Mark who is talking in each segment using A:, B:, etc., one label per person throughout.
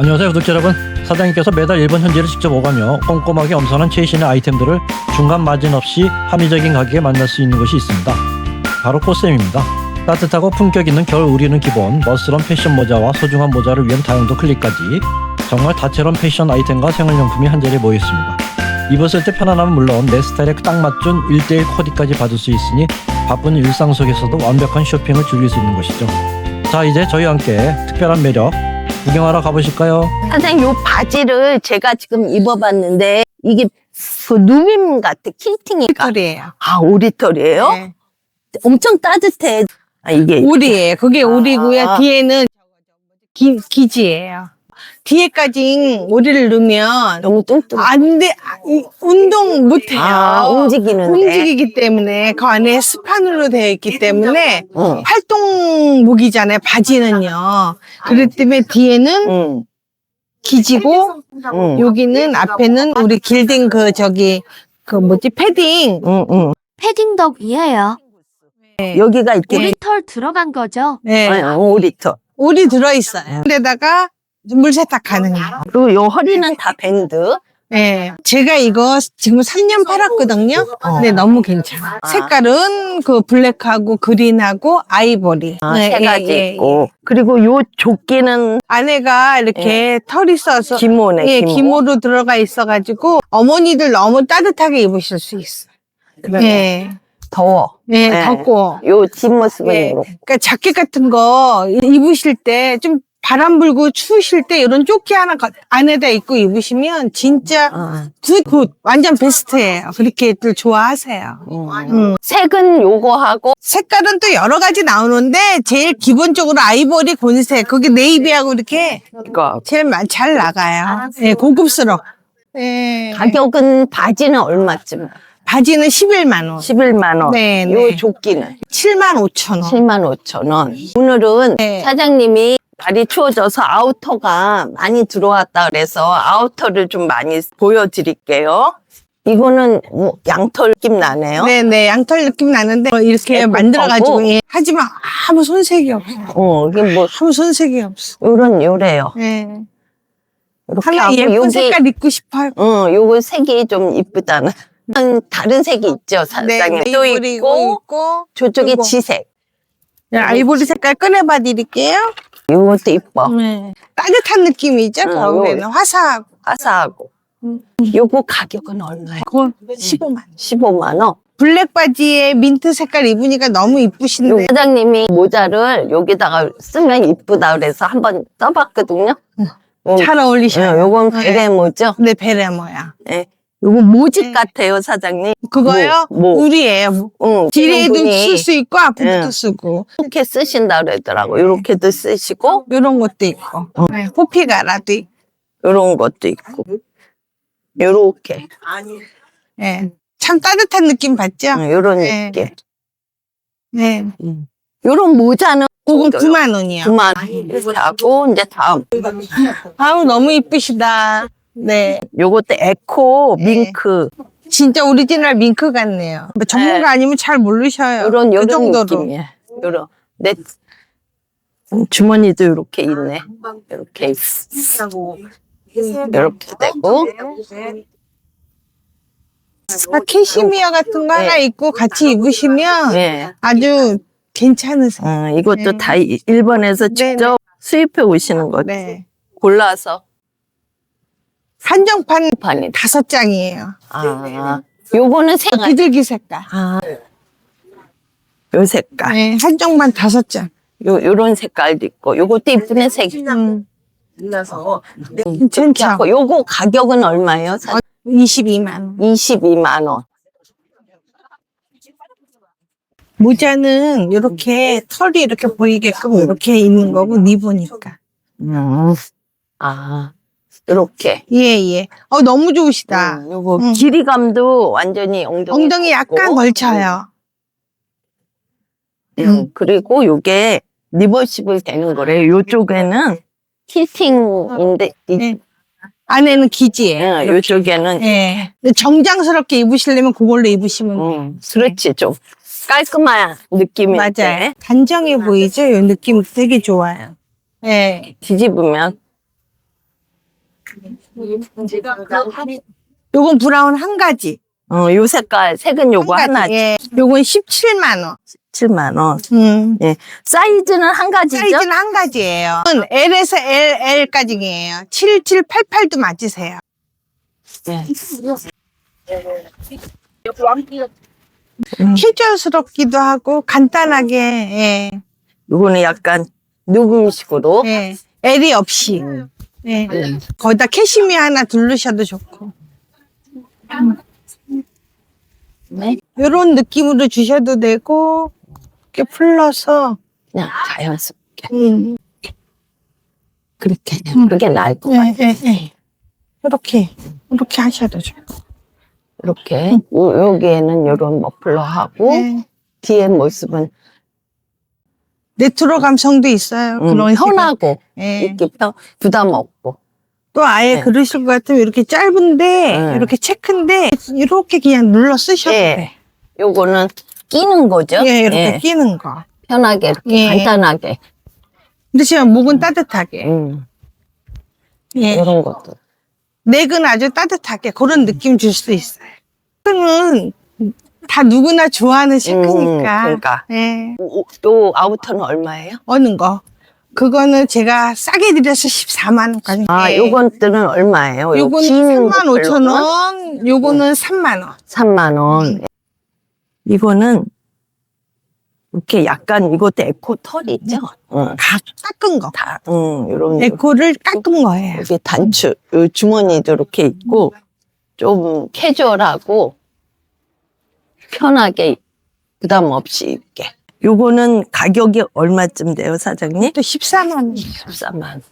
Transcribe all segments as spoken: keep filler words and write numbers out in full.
A: 안녕하세요 구독자 여러분, 사장님께서 매달 일본 현지를 직접 오가며 꼼꼼하게 엄선한 최신의 아이템들을 중간 마진 없이 합리적인 가격에 만날 수 있는 곳이 있습니다. 바로 코스엠입니다. 따뜻하고 품격 있는 겨울 우리는 기본, 멋스러운 패션 모자와 소중한 모자를 위한 다용도 클립까지 정말 다채로운 패션 아이템과 생활용품이 한자리에 모여 있습니다. 입었을 때 편안함은 물론 내 스타일에 딱 맞춘 일 대일 코디까지 받을 수 있으니 바쁜 일상 속에서도 완벽한 쇼핑을 즐길 수 있는 곳이죠. 자, 이제 저희와 함께 특별한 매력 구경하러 가보실까요?
B: 선생님, 요 바지를 제가 지금 입어봤는데 이게 그 누빔 같아. 킬팅이가.
C: 오리털이에요.
B: 아, 오리털이에요?
C: 네.
B: 엄청 따뜻해. 아, 이게
C: 오리예요. 그게
B: 아.
C: 오리고요. 뒤에는 기, 기지예요. 뒤에까지 오리를 넣으면
B: 너무 뚱뚱.
C: 안 돼. 아, 이- 운동 못 해요.
B: 아, 움직이는데.
C: 움직이기 때문에 그 안에 스판으로 되어 있기 때문에
B: 응.
C: 활동복이잖아요. 바지는요. 그렇기 때문에 뒤에는
B: 응.
C: 기지고
B: 응.
C: 여기는 앞에는 우리 길딩 그 저기 그 뭐지 패딩.
B: 응. 응.
D: 패딩 덕이에요.
B: 여기가 이렇게
D: 오리털 들어간 거죠?
C: 네.
B: 아, 오리털.
C: 오리 들어있어요. 데다가 물 세탁 가능해요.
B: 그리고 요 허리는 다 밴드.
C: 네. 제가 이거 지금 삼 년 팔았거든요. 근데 너무 괜찮아.
B: 아.
C: 색깔은 그 블랙하고 그린하고 아이보리.
B: 아,
C: 네,
B: 세
C: 예,
B: 가지
C: 예,
B: 있고. 그리고 요 조끼는
C: 안에가 이렇게 털이 있어서
B: 기모네,
C: 예,
B: 기모.
C: 기모로 들어가 있어가지고 어머니들 너무 따뜻하게 입으실 수 있어. 예,
B: 더워.
C: 예,
B: 네.
C: 덥고.
B: 요 뒷모습은
C: 예,
B: 이렇고.
C: 그러니까 자켓 같은 거 입으실 때 좀 바람 불고 추우실 때 이런 조끼 하나 가- 안에다 입고 입으시면 진짜
B: 아.
C: 굿, 굿. 완전 베스트예요. 그렇게들 좋아하세요. 음.
B: 색은 요거 하고
C: 색깔은 또 여러 가지 나오는데 제일 기본적으로 아이보리 곤색, 거기 네이비하고 이렇게
B: 이거.
C: 제일 마- 잘 나가요. 예, 고급스러워. 예.
B: 가격은 바지는 얼마쯤?
C: 바지는 십일만 원.
B: 십일만 원.
C: 네,
B: 요
C: 네.
B: 조끼는
C: 칠만 오천 원.
B: 칠만 오천 원. 오늘은
C: 네.
B: 사장님이 날이 추워져서 아우터가 많이 들어왔다 그래서 아우터를 좀 많이 보여드릴게요. 이거는 뭐 양털 느낌 나네요.
C: 네네, 양털 느낌 나는데 뭐 이렇게
B: 예쁘고.
C: 만들어가지고 예. 하지만 아무 손색이 없어.
B: 어, 이게 뭐
C: 아무 손색이 없어.
B: 요런 요래요.
C: 예.
B: 이렇게
C: 하나
B: 하고
C: 예쁜
B: 여기
C: 색깔 입고 싶어요.
B: 어, 요거 색이 좀 이쁘다는. 다른 색이 있죠, 사장님. 또
C: 아이보리
B: 있고
C: 있고
B: 저쪽에
C: 요거.
B: 지색.
C: 네, 아이보리 색깔 꺼내봐 드릴게요.
B: 요것도 이뻐.
C: 네. 따뜻한 느낌이죠.
B: 응,
C: 겨울에는
B: 요거.
C: 화사하고.
B: 화사하고. 요거 가격은 얼마예요?
C: 그건 십오만 원.
B: 십오만 원.
C: 블랙 바지에 민트 색깔 입으니까 너무
B: 요
C: 이쁘신데.
B: 사장님이 모자를 여기다가 쓰면 이쁘다 그래서 한번 써봤거든요. 어,
C: 잘 어울리셔요.
B: 예, 요건
C: 네.
B: 베레모죠.
C: 네, 베레모야.
B: 예. 요거 모직
C: 네.
B: 같아요, 사장님.
C: 그거요?
B: 뭐, 뭐.
C: 우리예요.
B: 응,
C: 뒤에도
B: 분이
C: 쓸 수 있고 앞에도
B: 응.
C: 쓰고.
B: 이렇게 쓰신다 그러더라고. 이렇게도 쓰시고,
C: 요런 것도 있고. 네, 호피가라도 있고.
B: 요런 것도 있고. 요렇게.
C: 예. 참 따뜻한 느낌 받죠?
B: 응, 요런
C: 네.
B: 느낌.
C: 네.
B: 응. 요런 모자는
C: 그건 구만 원이요.
B: 구만 원. 이렇게 하고, 이제 다음.
C: 아우, 너무 이쁘시다. 네.
B: 요것도 에코
C: 네.
B: 밍크.
C: 진짜 오리지널 밍크 같네요. 뭐 전문가
B: 네.
C: 아니면 잘 모르셔요.
B: 요런,
C: 그
B: 요런
C: 정도로.
B: 느낌이에요. 요런. 내 음, 주머니도 이렇게 있네. 이렇게. 이렇게 되고.
C: 아, 캐시미어 같은 거 하나
B: 네.
C: 입고 같이 입으시면
B: 예.
C: 아주 괜찮으세요.
B: 어, 이것도
C: 네.
B: 다 이- 일본에서
C: 네,
B: 직접 수입해 오시는 거
C: 네.
B: 골라서
C: 한정판
B: 판이.
C: 다섯 장이에요.
B: 아, 요거는 색깔.
C: 비둘기 색깔.
B: 아, 요 색깔.
C: 네, 한정판 다섯 장.
B: 요 요런 색깔도 있고, 요것도 이쁘네 색.
C: 음,
B: 이렇게
C: 괜찮죠?
B: 하고, 요거 가격은 얼마예요? 사-
C: 이십이만 원.
B: 이십이만 원.
C: 모자는 이렇게 털이 이렇게 보이게끔 이렇게 있는 거고 니보니까.
B: 음. 아, 이렇게.
C: 예, 예. 어, 너무 좋으시다.
B: 음, 요거
C: 음.
B: 길이감도 완전히 엉덩이.
C: 엉덩이 약간
B: 있고.
C: 걸쳐요.
B: 음, 그리고 요게 리버시블 되는 거래요. 요쪽에는 킬팅인데, 이-
C: 네. 안에는 기지예요.
B: 예, 요쪽에는.
C: 예. 근데 정장스럽게 입으시려면 그걸로 입으시면 돼요.
B: 음, 그렇지, 좀 깔끔한 느낌이.
C: 맞아요. 단정해 보이죠? 이 느낌 되게 좋아요. 예.
B: 뒤집으면
C: 요건 브라운 한 가지.
B: 어, 요 색깔, 색은 요거
C: 한
B: 하나,
C: 가지. 예. 요건 십칠만 원.
B: 칠만 원.
C: 음.
B: 예. 사이즈는 한 가지죠?
C: 사이즈는 한 가지예요. L에서 엘, 엘까지예요. 칠칠, 팔팔도 맞으세요.
B: 예.
C: 캐주얼스럽기도 하고 간단하게. 예.
B: 요거는 약간 누금식으로.
C: 예. L이 없이. 예. 거기다 캐시미어 하나 두르셔도 좋고.
B: 네.
C: 요런 느낌으로 주셔도 되고, 이렇게 풀러서,
B: 그냥 자연스럽게.
C: 음.
B: 그렇게. 그게 나을 것
C: 예,
B: 같아요.
C: 예, 예. 이렇게, 이렇게 하셔도 좋고.
B: 이렇게. 요, 여기에는 요런 머플러하고,
C: 예.
B: 뒤에 모습은
C: 레트로 감성도 있어요.
B: 음,
C: 그런 식으로.
B: 편하고,
C: 예.
B: 이렇게 편- 부담 없고.
C: 또 아예
B: 네.
C: 그러실 것 같으면 이렇게 짧은데,
B: 네.
C: 이렇게 체크인데, 이렇게 그냥 눌러 쓰셔도
B: 예.
C: 돼.
B: 요거는 끼는 거죠?
C: 예, 이렇게
B: 예.
C: 끼는 거.
B: 편하게, 이렇게
C: 예.
B: 간단하게.
C: 근데 지금 목은 따뜻하게.
B: 음,
C: 예.
B: 이런 것도.
C: 넥은 아주 따뜻하게 그런 느낌 줄 수 있어요. 체크는 다 누구나 좋아하는 체크니까.
B: 음, 그러니까.
C: 예.
B: 요, 요 아우터는 얼마예요?
C: 어느 거? 그거는 제가 싸게 드려서 십사만 원까지.
B: 아,
C: 예.
B: 요것들은 얼마예요? 요
C: 요거는
B: 긴
C: 삼만 오천
B: 머플러는?
C: 원, 요거는 삼만 원.
B: 삼만 원.
C: 음.
B: 이거는 이렇게 약간 이것도 에코 털이죠? 응.
C: 다 깎은 거.
B: 다, 응, 요런.
C: 에코를 깎은 거예요.
B: 여기 단추, 요 주머니도 이렇게 있고, 좀 캐주얼하고, 편하게, 부담 없이 입게. 요거는 가격이 얼마쯤 돼요, 사장님?
C: 또 십사만 원.
B: 십사만.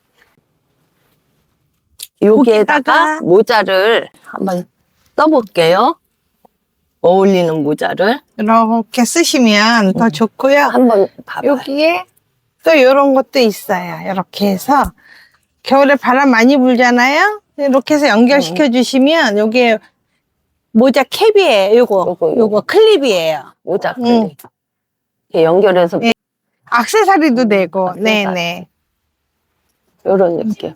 B: 여기에다가
C: 거기다가-
B: 모자를 한번 써볼게요. 어울리는 모자를
C: 이렇게 쓰시면 더 좋고요.
B: 한번 봐봐요.
C: 여기에 또 이런 것도 있어요. 이렇게 해서 겨울에 바람 많이 불잖아요. 이렇게 해서 연결시켜 주시면 여기에 모자 캡이에요. 요거
B: 요거, 요거.
C: 요거 클립이에요.
B: 모자 클립.
C: 응.
B: 이렇게 연결해서
C: 예. 액세서리도 되고.
B: 액세서리.
C: 네네.
B: 이런 느낌.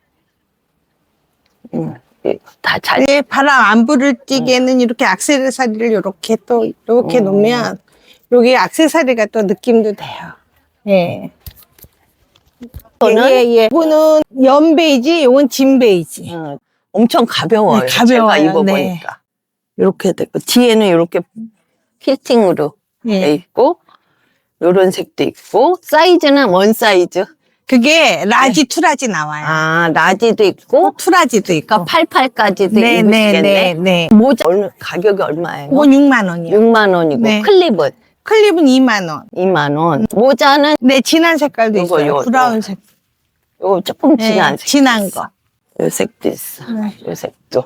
B: 음, 다잘
C: 네, 바람 안 불을 띠게는 이렇게 액세서리를 이렇게 또 이렇게
B: 음.
C: 놓으면 여기 액세서리가 또 느낌도 돼요. 예.
B: 이거는
C: 예, 예. 이거는 연 베이지, 요건 진 베이지.
B: 음, 엄청 가벼워요.
C: 네, 가벼워요.
B: 제가 입어보니까. 이렇게 되고 뒤에는 이렇게 피팅으로 돼
C: 예.
B: 있고 요런 색도 있고 사이즈는 원 사이즈.
C: 그게 라지, 투라지 나와요.
B: 아 라지도 있고
C: 투라지도 있고.
B: 그러니까 팔팔까지도
C: 네,
B: 입으시겠네.
C: 네, 네, 네.
B: 모자 얼마, 가격이 얼마예요?
C: 이건 육만 원이요.
B: 육만 원이고
C: 네.
B: 클립은
C: 클립은 이만 원.
B: 이만 원. 모자는
C: 네, 진한 색깔도
B: 요거,
C: 있어요.
B: 요거.
C: 브라운색.
B: 요거 조금
C: 네,
B: 진한 색.
C: 진한 거.
B: 요 색도 있어.
C: 네.
B: 요 색도.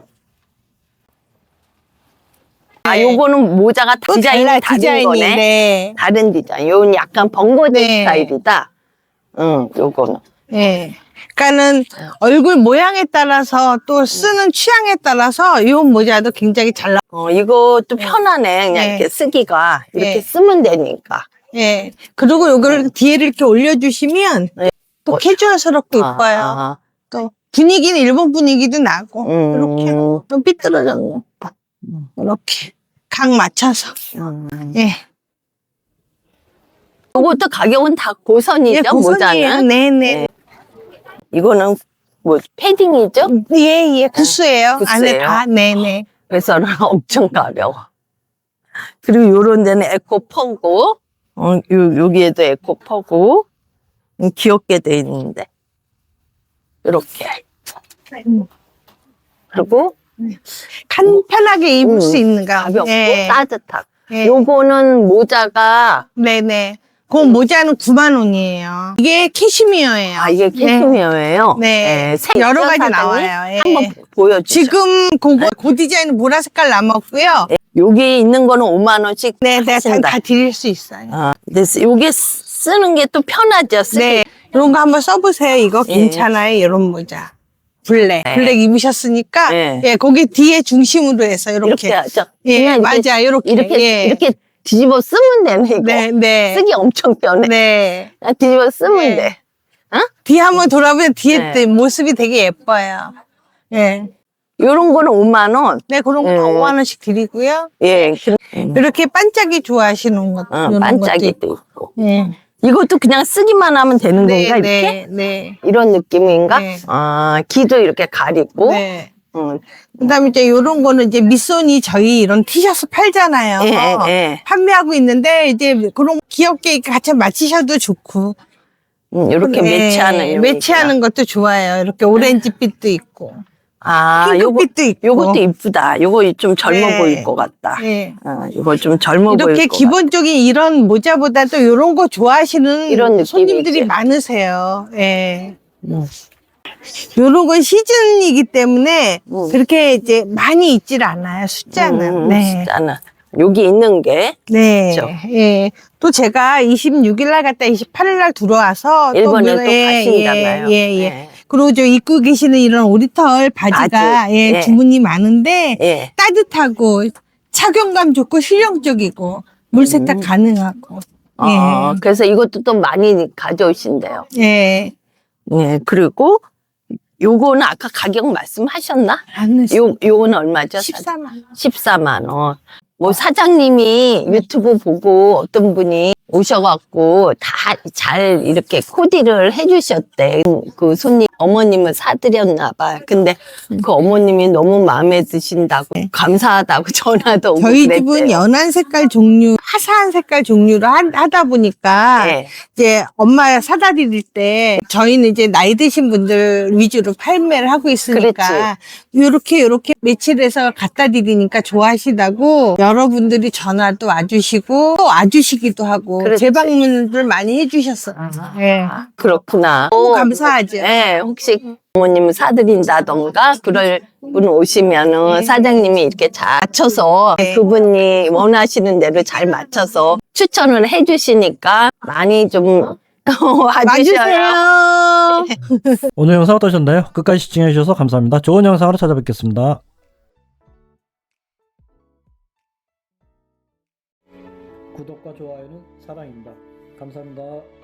B: 아,
C: 네.
B: 요거는 모자가
C: 또
B: 디자인이
C: 달라,
B: 다른
C: 디자인이.
B: 거네.
C: 네.
B: 다른 디자인. 요건 약간 번거지
C: 네.
B: 스타일이다. 응, 요거는.
C: 네. 그러니까는 얼굴 모양에 따라서 또 쓰는 취향에 따라서 이 모자도 굉장히 잘 나.
B: 어, 이것도 편하네. 그냥
C: 네.
B: 이렇게 쓰기가. 이렇게
C: 네.
B: 쓰면 되니까.
C: 예. 그리고 요거를 뒤에를 이렇게 올려주시면
B: 네.
C: 또
B: 어,
C: 캐주얼스럽고
B: 아,
C: 이뻐요.
B: 아.
C: 또 분위기는 일본 분위기도 나고
B: 음.
C: 이렇게 좀 삐뚤어졌네. 이렇게 각 맞춰서
B: 음.
C: 예.
B: 요것도 가격은 다 고선이죠,
C: 예, 고선이에요.
B: 모자는.
C: 네네.
B: 네. 이거는 뭐 패딩이죠?
C: 예예 구스예요.
B: 구스예요?
C: 안에 다 네네.
B: 그래서는 엄청 가벼워. 그리고 요런 데는 에코 퍼고, 어, 요, 여기에도 에코 퍼고, 음, 귀엽게 돼 있는데. 이렇게. 그리고
C: 간편하게 입을
B: 음,
C: 수 있는 거.
B: 가볍고
C: 예.
B: 따뜻하고.
C: 예.
B: 요거는 모자가,
C: 네네. 그 모자는 구만 원이에요. 이게 캐시미어예요.
B: 아, 이게 캐시미어예요?
C: 네.
B: 색
C: 여러 가지
B: 사장님?
C: 나와요. 예.
B: 한번 보여주죠.
C: 지금 그거 그 디자인은 보라 색깔 남았고요.
B: 여기 있는 거는 오만 원씩
C: 네, 네, 다,
B: 하신다.
C: 다 드릴 수 있어요.
B: 아, 그래서 요게 쓰- 쓰는 게 또 편하죠, 쓰기.
C: 네, 이런 거 한번 써보세요. 이거
B: 예.
C: 괜찮아요. 이런 모자. 블랙.
B: 네.
C: 블랙 입으셨으니까,
B: 네.
C: 예, 거기 뒤에 중심으로 해서 이렇게.
B: 이렇게 하죠.
C: 예,
B: 그냥 이렇게,
C: 맞아. 이렇게.
B: 이렇게,
C: 예.
B: 이렇게 뒤집어 쓰면 되네, 이거.
C: 네, 네.
B: 쓰기 엄청 편해.
C: 네.
B: 그냥 뒤집어 쓰면
C: 네.
B: 돼. 어?
C: 뒤에 한번 돌아보면 뒤에
B: 네.
C: 또 모습이 되게 예뻐요. 예.
B: 요런 거는 오만 원.
C: 네, 그런 거
B: 음.
C: 오만 원씩 드리고요.
B: 예. 그-
C: 이렇게 반짝이 좋아하시는 것,
B: 어,
C: 이런
B: 반짝이도
C: 것도
B: 있고.
C: 예.
B: 이것도 그냥 쓰기만 하면 되는
C: 네,
B: 건가, 이렇게?
C: 네, 네.
B: 이런 느낌인가?
C: 네.
B: 아, 귀도 이렇게 가리고.
C: 네.
B: 음.
C: 그다음에 이제 요런 거는 이제 미소니 저희 이런 티셔츠 팔잖아요.
B: 예, 예, 예.
C: 판매하고 있는데 이제 그런 귀엽게 같이 맞추셔도 좋고.
B: 음, 이렇게
C: 네,
B: 매치하는. 요거
C: 매치하는 것도 좋아요. 이렇게 오렌지빛도 있고,
B: 아, 요거,
C: 핑크빛도 있고.
B: 요것도 이쁘다. 요거 좀 젊어
C: 네.
B: 보일 것 같다.
C: 네.
B: 어, 요거 좀 젊어 보일
C: 이렇게
B: 것
C: 기본적인 이런 모자보다 또 이런 거 좋아하시는
B: 이런 느낌이지.
C: 손님들이 많으세요. 예.
B: 음.
C: 요런 건 시즌이기 때문에
B: 음.
C: 그렇게 이제 많이 있질 않아요. 숫자는.
B: 음,
C: 네.
B: 숫자는. 여기 있는 게
C: 네.
B: 그렇죠.
C: 예. 또 제가 이십육 일 날 갔다 이십팔 일 날 들어와서
B: 일본을 또,
C: 물- 예,
B: 가신다나요?
C: 예, 예, 예.
B: 네.
C: 그리고 저 입고 계시는 이런 오리털 바지가
B: 바지.
C: 예,
B: 예.
C: 주문이 많은데
B: 예.
C: 따뜻하고 착용감 좋고 실용적이고 물 세탁
B: 음.
C: 가능하고.
B: 어, 그래서 이것도 또 많이 가져오신대요.
C: 예. 예.
B: 예, 그리고 요거는 아까 가격 말씀하셨나?
C: 안
B: 요, 요거는 얼마죠?
C: 십사만 원.
B: 십사만 원. 뭐 사장님이 유튜브 보고 어떤 분이 오셔갖고 다 잘 이렇게 코디를 해주셨대. 그 손님 어머님을 사드렸나 봐. 근데 그 어머님이 너무 마음에 드신다고 감사하다고 전화도 오고
C: 저희
B: 그랬대요.
C: 집은 연한 색깔 종류, 화사한 색깔 종류로 하, 하다 보니까
B: 네.
C: 이제 엄마 사다 드릴 때 저희는 이제 나이 드신 분들 위주로 판매를 하고 있으니까 요렇게 요렇게 매치해서 갖다 드리니까 좋아하시다고 여러분들이 전화도 와주시고 또 와주시기도 하고
B: 그렇지.
C: 재방문을 많이 해주셨어요. 예.
B: 아, 그렇구나.
C: 너무 감사하죠.
B: 네, 혹시 어머님을 사드린다던가 그럴 분 오시면은 사장님이 이렇게 잘 맞춰서
C: 네.
B: 그분이 원하시는 대로 잘 맞춰서 추천을 해주시니까 많이 좀 와주셔요.
C: 와주세요.
A: 오늘 영상 어떠셨나요? 끝까지 시청해주셔서 감사합니다. 좋은 영상으로 찾아뵙겠습니다. 구독과 좋아요는 사랑입니다. 감사합니다.